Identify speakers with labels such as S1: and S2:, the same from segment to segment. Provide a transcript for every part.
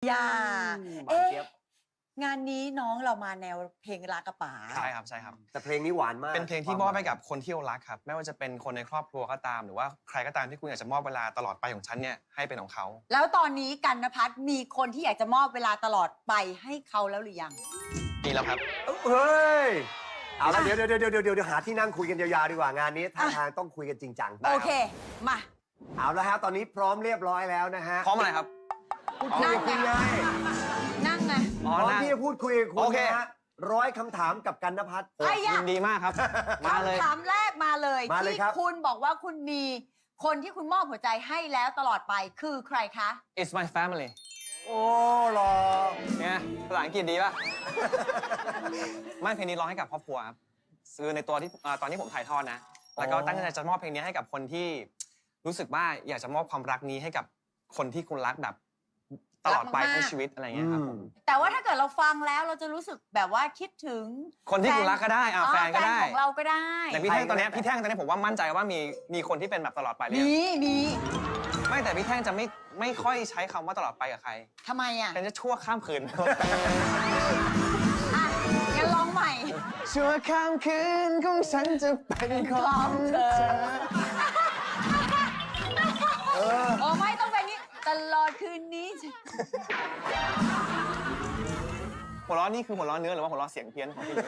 S1: อย่า
S2: หวานเจี๊ยบ
S1: งานนี้น้องเรามาแนวเพลงรักกระป๋า
S3: ใช่ครับใช่ครับ
S2: แต่เพลงนี้หวานมาก
S3: เป็นเพลงที่มอบให้กับคนที่เรารักครับไม่ว่าจะเป็นคนในครอบครัวก็ตามหรือว่าใครก็ตามที่คุณอยากจะมอบเวลาตลอดไปของฉันเนี่ยให้เป็นของเขา
S1: แล้วตอนนี้กันนภัทรมีคนที่อยากจะมอบเวลาตลอดไปให้เขาแล้วหรือยัง
S3: มีแล้วครับ
S2: เฮ้ยเอาละเดี๋ยวหาที่นั่งคุยกันยาวๆดีกว่างานนี้ท่าทางต้องคุยกันจริงจัง
S1: โอเค มา
S2: เอาละครับตอนนี้พร้อมเรียบร้อยแล้วนะฮะ
S3: พร้อมอะไรครับ
S2: พูดคุยกับคุณไง
S1: นั่งไง
S2: พร้อมที่จะพูดคุยกับคุ
S3: โอ
S2: ณ
S3: เค
S2: นะฮะ100 คำถามกับกันนภัทร
S1: ไอ้ยะ
S3: ยินดีมากครับ มาเลย
S1: คำถามแรกมาเลย
S2: มาเลย
S1: ที่
S2: ครับ
S1: คุณบอกว่าคุณมีคนที่คุณมอบหัวใจให้แล้วตลอดไปคือใครคะ
S3: It's my family
S2: โอ้หรอ
S3: เนี่ยภาษาอังกฤษดีป่ะ ไม่เพลงนี้ร้องให้กับครอบครัวครับคือในตัวที่ตอนที่ผมถ่ายทอดนะ แล้วก็ตั้งใจจะมอบเพลงนี้ให้กับคนที่รู้สึกว่าอยากจะมอบความรักนี้ให้กับคนที่คุณรักแบบตลอดไปทั้งชีวิตอะไรอย่างเงี้ยครับผม
S1: แต่ว่าถ้าเกิดเราฟังแล้วเราจะรู้สึกแบบว่าคิดถึง
S3: คนที่คุณรักก็ได้แฟนก็ได้
S1: แฟนของเราก็ได้
S3: แต่พี่แท่งตอนเนี้ยผมว่ามั่นใจว่ามีคนที่เป็นแบบตลอดไปเลย
S1: มี
S3: ไม่แต่พี่แท่งจะไม่ค่อยใช้คำว่าตลอดไปกับใคร
S1: ทำไมอ่ะ
S3: เป็นจะชั่วข้ามคืน
S1: อ่ะงั้นร้องใหม่
S3: ชั่วข้ามคืนของฉันจะเป็นของเธอ
S1: โอ้ไม่ต้องแบบนี้ตลอดคืนนี้
S3: หัวเราะนี่คือหัวเราะเนื้อหรือว่าหัวเราะเสียงเพี้ยนของพี่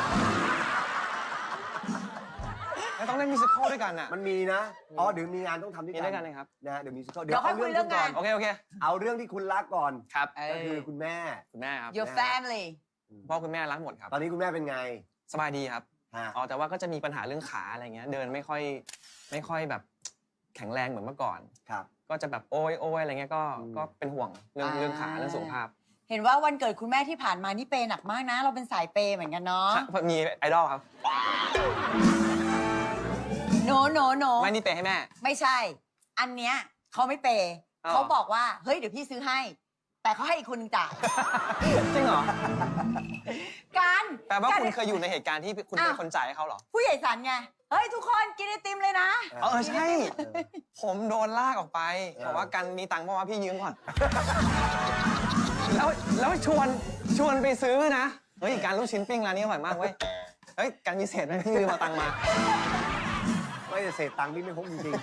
S3: แล้วต้องเล่นมิวสิควลด้วยกันอ่ะ
S2: มันมีนะอ๋อเดี๋ยวมีงานต้องทำด้วย
S3: มี
S2: กัน
S3: ด้วยกันเลยครับ
S2: นะฮะเดี๋ยวมีซิค
S1: เดี๋ยวค่อยคุยเรื่องงาน
S3: โอเค
S2: เอาเรื่องที่คุณรักก่อน
S3: ครับ
S2: ก็คือคุณแม่
S3: คุณแม่ครับ
S1: your family
S3: พ่อคุณแม่รักหมดครับ
S2: ตอนนี้คุณแม่เป็นไง
S3: สบายดีครับ
S2: ฮะ
S3: อ๋อแต่ว่าก็จะมีปัญหาเรื่องขาอะไรเงี้ยเดินไม่ค่อยแบบแข็งแรงเหมือนเมื่อก่อน
S2: ครับ
S3: ก็จะแบบโอ้ยอะไรเงี้ยก็เป็นห่วงเรื่องขาเรื่องสุขภาพ
S1: เห็นว่าวันเกิดคุณแม่ที่ผ่านมานี่เปย์หนักมากนะ เราเป็นสายเปย์เหมือนกันเนาะ
S3: มีไอดอลครับ
S1: โน
S3: ไม่นี่เปย์ให้แม่
S1: ไม่ใช่ อันเนี้ยเขาไม่เปย์
S3: อ้าว
S1: เขาบอกว่าเฮ้ยเดี๋ยวพี่ซื้อให้ แต่เขาให้อีกคนหนึงจ่าย
S3: จริงเหรอ
S1: การ
S3: แปลว่า
S1: การ
S3: คุณเคยอยู่ในเหตุการณ์ที่คุณเป็นคนจ่ายให้เขาเหรอ
S1: ผู้ใหญ่สันไงเฮ้ยทุกคนกินไอติมเลยนะ
S3: ใช่ ผมโดนลากออกไปบอกว่ากันมีตังค์เพราะว่าพี่ยืมก่อน แล้วชวนไปซื้อนะ เฮ้ยการลูกชิ้นปิ้งร้านนี้อร่อยมากเว้ย เฮ้ยการมีเศษไหมพี่ยืมเอาตังค์มา
S2: ไม่ได้เศษตังค์พี่ไม่พกจริง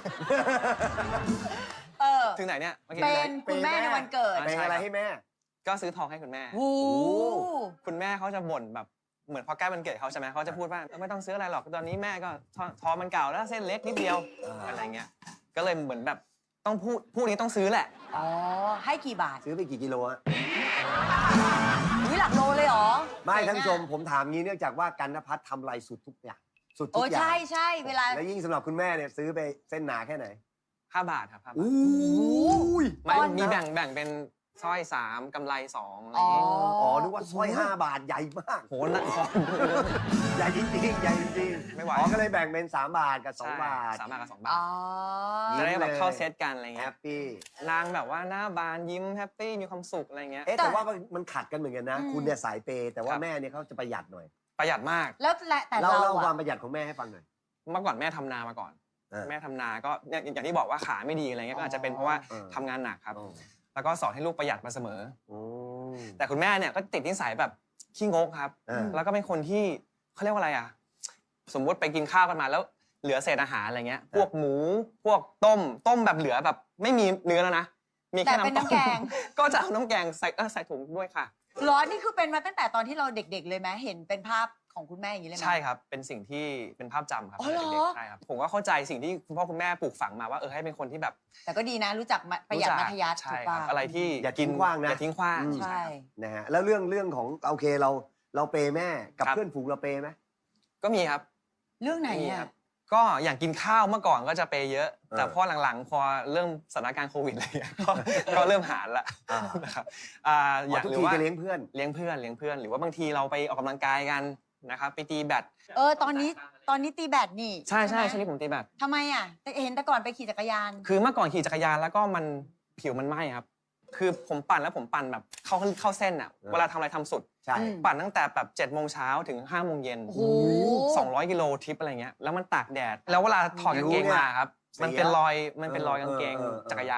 S3: ถึงไหนเนี่ยเมื่อกี้
S1: เป็นคุณแม่ในวันเกิด
S2: ๆเป็นอะไรให้แม่
S3: ก็ซื้อทองให้คุณแม่
S1: โอ้โห
S3: คุณแม่เขาจะบ่นแบบเหมือนพอใกล้วันเกิดเขาใช่ไหมเขาจะพูดว่าไม่ต้องซื้ออะไรหรอกตอนนี้แม่ก็ทองมันเก่าแล้วเส้นเล็กนิดเดียวอะไรเงี้ยก็เลยเหมือนแบบต้องพูดนี้ต้องซื้อแหละ
S1: อ๋อให้กี่บาท
S2: ซื้อไปกี่กิโลฮะ
S1: วิหลักโลเลยเหรอ
S2: ไม่ท่านผู้ชมผมถามงี้เนื่องจากว่ากันนภัทรทำอะไรสุดทุกอย่างสุดทุ
S1: โอ้
S2: กอย่าง
S1: ใช่เวลา
S2: และยิ่งสำหรับคุณแม่เนี่ยซื้อไปเส้นหนาแค่ไหน
S3: 5 บาทครับ5 บาท
S2: อู้ย
S3: ไม่
S1: ตอน
S3: มีแบ่งเป็นสร้อย3กำไร2อะไร
S1: อ๋อ
S3: เงี้ย
S2: อ๋อนึกว่าสร้อย5 บาทใหญ่มาก
S3: โหหนักคอ
S2: ใหญ่จริงๆใหญ่จริงๆ
S3: ไม่ไหว
S2: อ๋อก็เลยแบ่งเป็น3 บาทกับ2 บาท
S3: 3 บาทกับ2 บา
S1: อ๋
S3: ท
S1: อ
S3: จะได้แบบเข้าเซตกันอะไร
S2: แฮ
S3: เงี้ย
S2: ปปี้
S3: นางแบบว่าหน้าบานยิ้มแฮปปี้มีความสุขอะไรเงี้ย
S2: เอ๊ะแต่ว่ามันขัดกันเหมือนกันนะ
S1: อืม
S2: คุณเนี่ยสายเปย์แต่ว่า
S3: ครับ
S2: แม่เนี่ยเขาจะประหยัดหน่อย
S3: ประหยัดมาก
S1: แล้วแต่
S2: เล่า
S1: เรา
S2: ควา
S1: อะ
S2: มประหยัดของแม่ให้ฟังหน่อย
S3: เมื่อก่อนแม่ทำนามาก่อน แม่ทำนาก็อย่างที่บอกว่าขาไม่ดีอะไรเงี้ยก็อาจจะเป็นเพราะว่าทำงานหนักครับ แล้วก็สอนให้ลูกประหยัดมาเสมอ
S2: โอ้
S3: แต่คุณแม่เนี่ยก็ติดนิสัยแบบขี้งกครับ
S2: อ่า
S3: แล้วก็เป็นคนที่เขาเรียกว่าอะไรอ่ะ สมมติไปกินข้าวกันมาแล้วเหลือเศษอาหารอะไรเงี้ย พวกหมู พวกต้มแบบเหลือแบบไม่มีเนื้อแล้วนะ มีแค่
S1: แต่เป็น
S3: น้ำต้ม
S1: น้ำแกง
S3: ก็จะเอาน้ำแกงใส่ถุงด้วยค่ะ
S1: ร้อนนี่คือเป็นมาตั้งแต่ตอนที่เราเด็กๆเลยไหมเห็นเป็นภาพของคุณแม่อย่างนี้เลยไหม
S3: ใช่ครับ เป็นสิ่งที่เป็นภาพจำครับ
S1: อ๋อเหรอ
S3: เด็กๆใช่ครับ ผมก็เข้าใจสิ่งที่คุณพ่อคุณแม่ปลูกฝังมาว่าให้เป็นคนที่แบบ
S1: แต่ก็ดีนะรู้จักประหยัดมัธยัสถ์
S3: ใช่
S1: ถูก
S3: ค
S1: ป่ะ
S3: รับอะไรที่
S2: อย่าทิ้งขว้างนะ
S3: อย่าทิ้งขว้าง
S1: ใช่
S2: นะฮะแล้วเรื่องของโอเคเราเปย์แม่กับ
S3: ครับ
S2: เพื่อนฝูงเราเปย์ไหม
S3: ก็มีครับ
S1: เรื่องไหน
S3: มี
S1: อ่ะ
S3: ครับก็อย่างกินข้าวเมื่อก่อนก็จะเปย์เยอะ แต่
S2: เออ
S3: พอหลังๆ พอเริ่มสถานการณ์โควิดอะไรอย่างเงี้ยก็เริ่มหารละ
S2: อ่า
S3: นะครับ
S2: ทุก
S3: หรือ
S2: ที
S3: ว่า
S2: จะเลี้ยงเพื่อน
S3: เลี้ยงเพื่อนหรือว่าบางทีเราไปออกกำลังกายกันนะครับไปตีแบด
S1: ตอนนี้ตีแบดนี่
S3: ใช่
S1: ไหม
S3: ช่วงนี้ผมตีแบด
S1: ทำไมอ่ะแต่เห็นแต่ก่อนไปขี่จักรยาน
S3: คือเมื่อก่อนขี่จักรยานแล้วก็มันผิวมันไหม้ครับ คือผมปั่นแล้วผมปั่นแบบเข้าเส้นอ่ะ
S2: เออ
S3: เวลาทำอะไรทำสุด
S2: ใช่
S1: อืม
S3: ปั่นตั้งแต่แบบ7 โมงเช้าถึง5 โมงเย็น
S1: โอ้โห
S3: 200 กิโลทริปอะไรเงี้ย แล้วมันตากแดด แล้วเวลาถอดกางเกงมาครับ มันเป็นรอยกางเกงจักรยานอ่ะ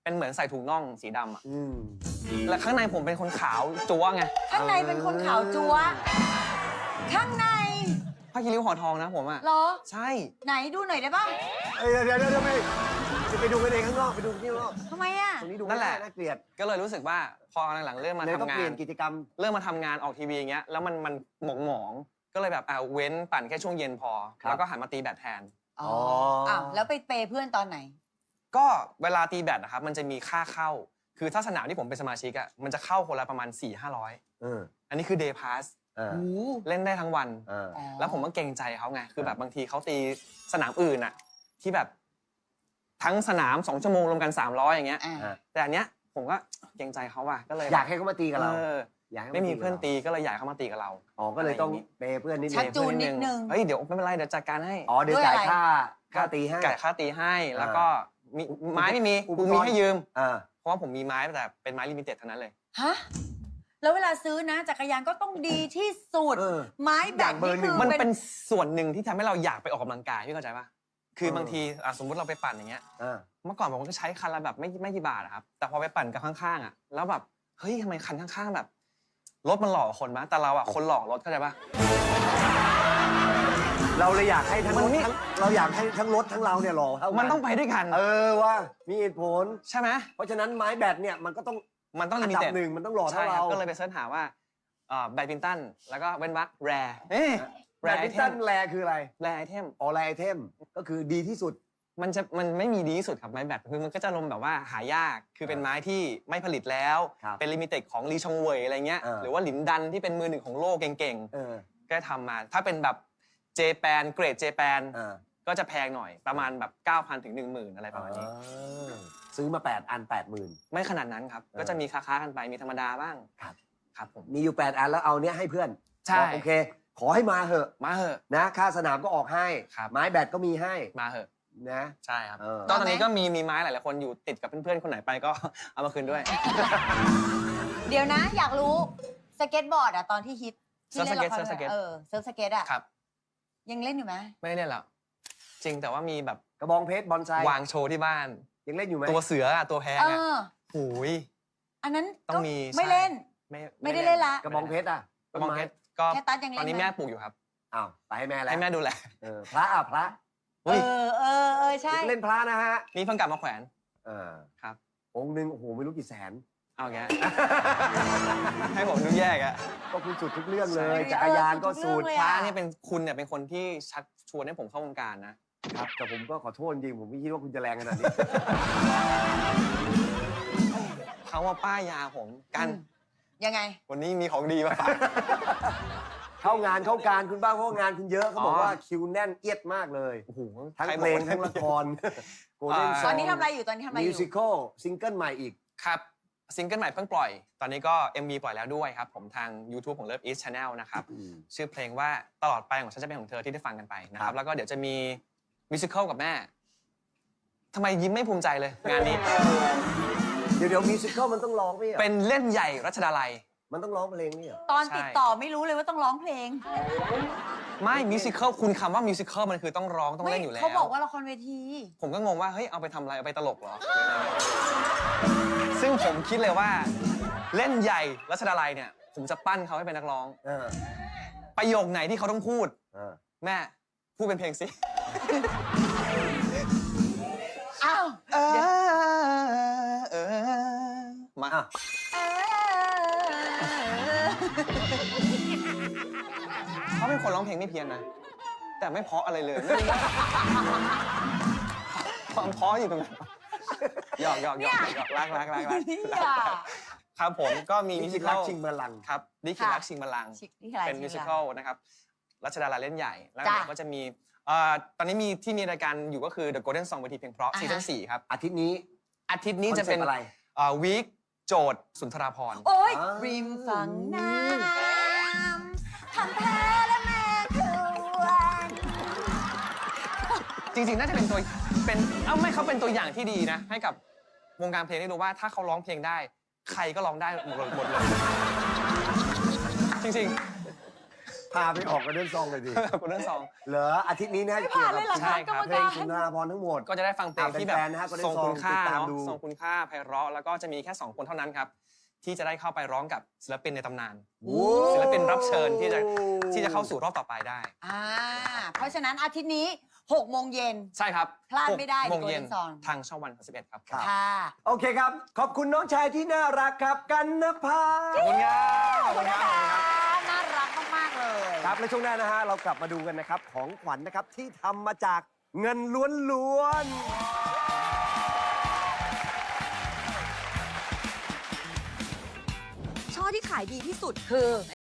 S3: เป็นเหมือนใส่ถุงน่องสีดำอะ
S2: อืม
S3: และข้างในผมเป็นคนขาวจั๊วไง
S1: ข้างในเป็นคนขาวจั๊วข้างใน
S3: ผ้าคีริ้วห่อทองนะผมอะ
S1: เหรอ
S3: ใช่
S1: ไหนดูหน่อยได้ป่ะ
S2: เดี๋ยวไปดูกันเองข้างนอกไปดูที่ข้างนอก
S1: ทำไมอ่ะ
S2: ตรงนี้ดู
S3: นั่นแหละ
S2: น่าเกลียด
S3: ก็เลยรู้สึกว่าพอหลังๆเริ่มมา
S2: เลยต้อง
S3: ทำงา
S2: เปลี่ย
S3: น
S2: นกิจกรรม
S3: เริ่มมาทำงานออกทีวีอย่างเงี้ยแล้วมันหมองก็เลยแบบเว้นปั่นแค่ช่วงเย็นพอ
S2: ครับ
S3: แล้วก็หันมาตีแบดแทน
S1: อ๋ออ้าวแล้วไปเปย์เพื่อนตอนไหน
S3: ก็เวลาตีแบดนะครับมันจะมีค่าเข้า คือถ้าสนามที่ผมเป็นสมาชิกอะมันจะเข้าคนละประมาณ 4-500
S2: เออ
S3: อันนี้คือ day pass
S2: เออ
S1: โอ้
S3: เล่นได้ทั้งวัน
S2: เออ
S3: แล้วผมก็เกรงใจเขาไง คือแบบบางทีเขาตีสนามอื่นอะที่แบบทั้งสนาม2 ชั่วโมงรวมกัน300อย่างเงี้ย
S1: อ่า
S2: อ่ะ
S3: แต่อันเนี้ยผมก็เกรงใจเขาว่ะก็เลย
S2: อยากให้เขามาตีกับเรา
S3: เออ
S2: อยากให้ขา
S3: ไม่มี
S2: กับ
S3: เพื่อน
S2: รา
S3: ตีก็เลยอยากให้เขามาตีกับเรา
S2: อ๋อก็เลยต้องเปย์เพื่อนนิดนึ
S1: ชัก
S2: ง
S1: จูนนิดนึง
S3: เฮ้ยเดี๋ยวไม่เป็นไรเดี๋ยวจัดการให้
S2: อ๋อเดี๋ยว
S1: ด้วย
S2: จ่าย
S1: อะไร
S2: ค่าตีให้
S3: จ่ายค่าตีให้แล้วก็มีไม้ไม่มี
S2: อุป
S3: กู
S2: กรณ์
S3: มีให้ยืม
S2: อ่า
S3: เพราะว่าผมมีไม้แต่เป็นไม้ลิมิเต็ดเท่านั้นเลย
S1: ฮะ แล้วเวลาซื้อนะจักรยานก็ต้องดีที่สุด
S2: เออ
S1: ไม้แบ
S2: อบ ยากเบอร์
S1: นี่
S2: หนึ่
S1: คื
S2: ง
S1: อ
S3: มัน
S1: เป็
S3: เป็น นส่วนหนึ่งที่ทำให้เราอยากไปออกกำลังกายพี่เข้าใจปะคือ
S2: เออ
S3: บางทีสมมุติเราไปปั่นอย่างเงี้ย
S2: อ่า
S3: เมื่อก่อนผมก็ใช้คันละแบบไม่กี่บาทอะครับแต่พอไปปั่นกับข้างๆอะแล้วแบบเฮ้ยทำไมคันข้างๆแบบรถมันหล่อกว่าคนมะแต่เราอะคนหล่อรถเข้าใจปะ
S2: เราเลยอยากให้ทั้ง
S3: มั
S2: ร
S3: น
S2: ถ
S3: ไม่
S2: ทั้งเราอยากให้ทั้งรถทั้งเราเนี่ยหล่อเท่ากั
S3: มันต้องไปด้วยกัน
S2: เออว่ามีเหตุผล
S3: ใช่ไหม
S2: เพราะฉะนั้นไม้แบตเนี่ยมันก็ต้อง
S3: มันต้องลิ
S2: อัน
S3: มิ
S2: ดับ
S3: เต็ด
S2: หนึ่งมันต้องหล่อ
S3: ใช่
S2: เท่า
S3: ครั
S2: เรา
S3: บก็เลยไปเสิร์ชหาว่าแบดมินตันแล้วก็เว้นวรรคแรร์แร
S2: แบต
S3: ร์ไอ
S2: มิน
S3: เท
S2: ตั
S3: ม
S2: นแรคืออะไร
S3: แรร์ไอเทม
S2: ออแรไอเทมก็คือดีที่สุด
S3: มันไม่มีดีที่สุดครับไม้แบตคือมันก็จะลมแบบว่าหายากคือเป็นไม้ที่ไม่ผลิตแล้ว
S2: ครับ
S3: เป็นลิมิเต็ดของลีชองเวยอะไรเงี้ย
S2: เออ
S3: หรือว่าหลินดันที่เป็นมือหนึ่งของโลกเก่ง
S2: เออ
S3: ๆก็ทำมาถ้าเป็นแบบเจแปนเกรดเจแปน
S2: เออ
S3: ก็จะแพงหน่อยประมาณแบบ 9,000 ถึง 10,000 อะไรประมาณนี้
S2: ซื้อมา8 อัน 80,000
S3: ไม่ขนาดนั้นครับ
S2: เออ
S3: ก็จะมีค้าๆกันไปมีธรรมดาบ้าง
S2: ครับ
S3: ครับผม
S2: มีอยู่ 8 อันแล้วเอาเนี้ยให้เพื่อน
S3: ใช่
S2: บอกโอเค ขอให้มาเหอะ
S3: มาเหอะ
S2: นะค่าสนามก็ออกให้
S3: ครับ
S2: ไม้แบตก็มีให้
S3: มาเหอะ
S2: นะ
S3: ใช่ครับ
S2: เออ
S3: ก็ตอนนี้ก็มีไม้หลายๆคนอยู่ติดกับเพื่อนๆคนไหนไปก็ เอามาคืนด้วย
S1: เดี๋ยวนะ อยากรู้สเก็ตบอร์ดอะตอนที่ฮิตที่
S3: เซิร์ฟสเก็ต
S1: ล่นละคร
S3: เซิร์ฟสเก็ต
S1: เซิร์ฟสเก็ตอะ
S3: ครับ
S1: ยังเล่นอยู่ไหม
S3: ไม่ได้เล่นแล้วจริงแต่ว่ามีแบบ
S2: กระบองเพชรบอลไซ
S3: วางโชว์ที่บ้าน
S2: ยังเล่นอยู่ไหม
S3: ตัวเสืออะตัวแพง
S1: เอ
S3: อะ
S1: อ
S3: หูย
S1: อันนั้น
S3: ต้อง
S1: ก็
S3: มี
S1: ไม่
S3: ใช่
S1: เล่น
S3: ไม่
S1: ไม่ได้เล่นละ
S2: กระบองเพชรอ่ะ
S3: กระบองเพชรก็
S1: แค่ตัดยังเล่น
S3: ตอนนี้
S1: ไหม
S3: แม่ปลูกอยู่ครับ
S2: อ้าวไปให้แม่แล้ว
S3: ให้แม่ดูแล
S2: พระอ่ะพระ
S1: เออใช่
S2: เล่นพระนะฮะ
S3: นี่เพิ่งกลับมาแขวน
S2: เออ
S3: ครับ
S2: องค์หนึ่งโอ้โหไม่รู้กี่แสน
S3: เอาแก ให้ผมดูแยกอะ
S2: ก็คุณสุดทุกเรื่องเลย
S1: ใช่
S2: จักรยานก็สุด
S1: เออสุดทุกเรื่องเลย
S3: พ
S1: อะ
S3: ระเนี่ยเป็นคุณเนี่ยเป็นคนที่ชักชวนให้ผมเข้าวงการนะครับ
S2: แต่ผมก็ขอโทษจริงผมไม่คิดว่าคุณจะแรงขนาดนี้
S3: เขาว่าป้ายยาผมกัน
S1: ยังไง
S3: วันนี้มีของดีมาฝาก
S2: เข้างานเข้าการคุณบ้างเพราะว่างานคุณเยอะเขาบอก
S3: อ๋อ
S2: ว่าคิวแน่นเอียดมากเลย
S3: โอ้โห
S2: ทั้ง
S3: ใคร
S2: เพ
S3: บ
S2: ล
S3: อก
S2: ง
S3: ว่า
S2: ทั้งละครโกลเด้น
S1: ตอนนี้ทำอะไรอยู่ตอนนี้ทำอะไรอ
S2: มิว
S1: ยู่
S2: สิคลซิงเกิลใหม่อีก
S3: ครับซิงเกิลใหม่เพิ่งปล่อย ตอนนี้ก็ MV ปล่อยแล้วด้วยครับ ผมทาง YouTube ของ Love East Channel นะครับ ชื่อเพลงว่าตลอดไปของฉันจะเป็นของเธอที่ได้ฟังกันไปนะค
S2: ครั
S3: รับ
S2: บ
S3: แล้วก็เดี๋ยวจะมีมิวสิควลกับแม่ทำไมยิ้มไม่ภูมิใจเลย งานนี้
S2: เดี๋ยวมิวสิคลมันต้องร้องไหมอ่ะ
S3: เป็นเล่นใหญ่รัชดาลัย
S2: มันต้องร้องเพลงนี่เหรอ
S1: ตอน
S3: ใช่
S1: ติดต่อไม่รู้เลยว่าต้องร้องเพลง
S3: ไม่มิวสิควลคุณคำว่ามิวสิควลมันคือต้องร้องต้อง
S1: ไม่
S3: เล่นอยู่แล้ว
S1: เขาบอกว่าละครเวที
S3: ผมก็งงว่าเฮ้ยเอาไปทำอะไรเอาไปตลกเหรอ ซึ่งผมคิดเลยว่าเล่นใหญ่รัชดาลัยเนี่ย ผมจะปั้นเขาให้เป็นนักร้อง
S2: เออ
S3: ประโยคไหนที่เขาต้องพูด
S2: เออ
S3: แม่พูดเป็นเพลงสิ
S1: อ้าว
S3: มา
S2: อ่ะ
S3: เขาเป็นคนร้องเพลงไม่เพี้ยนนะ แต่ไม่เพราะอะไรเลยไม่รู้ว่าความเพราะอยู่ตรงไหนหยอกรัก
S1: เนี่ย
S3: ครับผมก็มี
S2: มิ
S3: มิ
S2: ว
S3: ว
S2: สิ
S3: สิ
S2: ค
S3: ค
S2: ล
S3: ล
S2: ชิงบัลลังก์
S3: ครับดิคิรักชิงบัลลังก์
S1: นี่อะไร
S3: เป็นมิวสิคลนะครับรัชดาลัยเล่นใหญ่ แล้ว
S1: จ้ะ
S3: เดี๋ยวก็จะมีตอนนี้มีที่มีรายการอยู่ก็คือ The Golden Song เวทีเพลงเพราะ
S1: อ่าฮะ
S3: ซีซั่น4ครับ
S2: อาทิตย์นี้
S3: อาทิตย์นี้จะเป็น
S2: คอซ็ปต์อะไร
S3: วีคโจทย์สุนทราภรณ์
S1: โอ้ย
S2: อ่า
S1: ริมฝั่งน้ำทำแพ้และแม่ควร
S3: จริงๆ น่าจะเป็นตัวไม่เขาเป็นตัวอย่างที่ดีนะ ให้กับวงการเพลงได้รู้ว่าถ้าเขาร้องเพลงได้ ใครก็ร้องได้หมดเลย จริง
S2: พาไปออกกันเดินซองเลยดิ
S3: คุณเรื่องซอง
S2: เหรออาทิตย์นี้นะ
S1: ไม่ผ่านเลยเหรอ
S3: ใช่
S1: คะ
S3: ค
S1: ก
S3: รั
S1: ร
S3: บ
S1: รม
S2: เพล
S1: กาง ร
S2: สุนทราภรณ์ทั้งหมด
S3: ก็จะได้ฟังเพลงที่แบบ
S2: แฟนๆนะฮะก็ได้
S3: ทรงคุณค่า
S2: ติดตาม
S3: เนาะ
S2: ดู
S3: ทรงคุณค่าไพเราะแล้วก็จะมีแค่ 2 คนเท่านั้นครับ ที่จะได้เข้าไปร้องกับศิลปินในตำนาน ศิลปินรับเชิญที่จะเข้าสู่รอบต่อไปได้
S1: เพราะฉะนั้นอาทิตย์นี้6 โมงเย็น
S3: ใช่ครับ
S1: พลาดไม่ได้
S3: 6 โมงเย็น
S1: Golden Song
S3: ทางช่องวัน31ครับ
S2: ครับ
S1: ค่ะ
S2: โอเคครับ ขอบคุณน้องชายที่น่ารักครับกันนภา
S3: ขอบคุณครับ
S1: ขอบคุณนะคะน่ารักมาก ๆ เลย
S2: ครับและช่วงหน้านะฮะเรากลับมาดูกันนะครับของขวัญนะครับที่ทำมาจากเงินล้วนๆ
S4: ช่อที่ขายดีที่สุด
S1: คือ